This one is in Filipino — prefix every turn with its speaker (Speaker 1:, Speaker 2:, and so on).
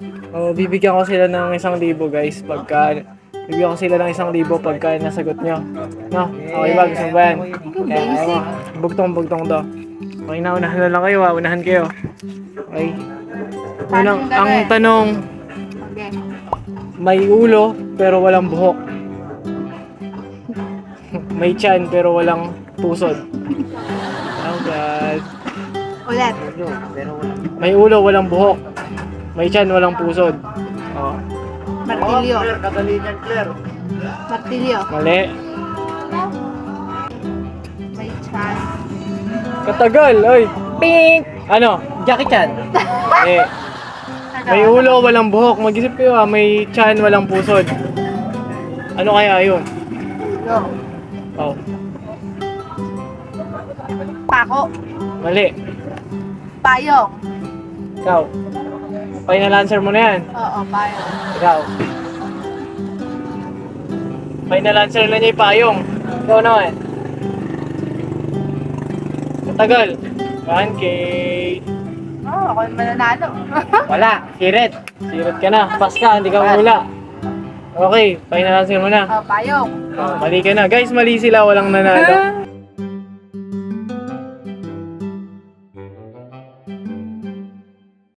Speaker 1: Oh, bibigyan ko sila ng 1,000 guys bibigyan ko sila ng 1,000 pagka nasagot nyo. No? Okay ba? Gusto mo ba yan?
Speaker 2: Basic.
Speaker 1: Bugtong-bugtong to. Okay na, unahan na lang kayo ha. Unahan kayo. Okay. Unang, ang tanong,
Speaker 2: Okay.
Speaker 1: may ulo pero walang buhok. May tiyan pero walang pusod. Oh God.
Speaker 2: Ulit.
Speaker 1: May ulo, walang buhok. May tiyan, walang pusod. Oh.
Speaker 2: Martilyo.
Speaker 1: Katalinan, Claire.
Speaker 2: Martilyo.
Speaker 1: Mali.
Speaker 2: May chan.
Speaker 1: Katagal, oy. Pink! Ano?
Speaker 3: Jackie Chan.
Speaker 1: Eh. May ulo, walang buhok. Mag-isip kayo ha. May tiyan, walang pusod. Ano kaya yun?
Speaker 2: Go.
Speaker 1: Oh.
Speaker 2: Pako.
Speaker 1: Mali.
Speaker 2: Payong.
Speaker 1: Ikaw. Final answer mo na yan.
Speaker 2: Oo, payong.
Speaker 1: Ikaw. Final answer na niya yung payong. Ikaw naman. Matagal. 1K.
Speaker 2: Oo, ako yung mananalo.
Speaker 1: Wala. Sirit. Sirit ka na. Pass ka. Hindi ka mula. Okay. Final answer mo na.
Speaker 2: Oo, payong.
Speaker 1: Oh, mali ka na. Guys, mali sila. Walang nanalo.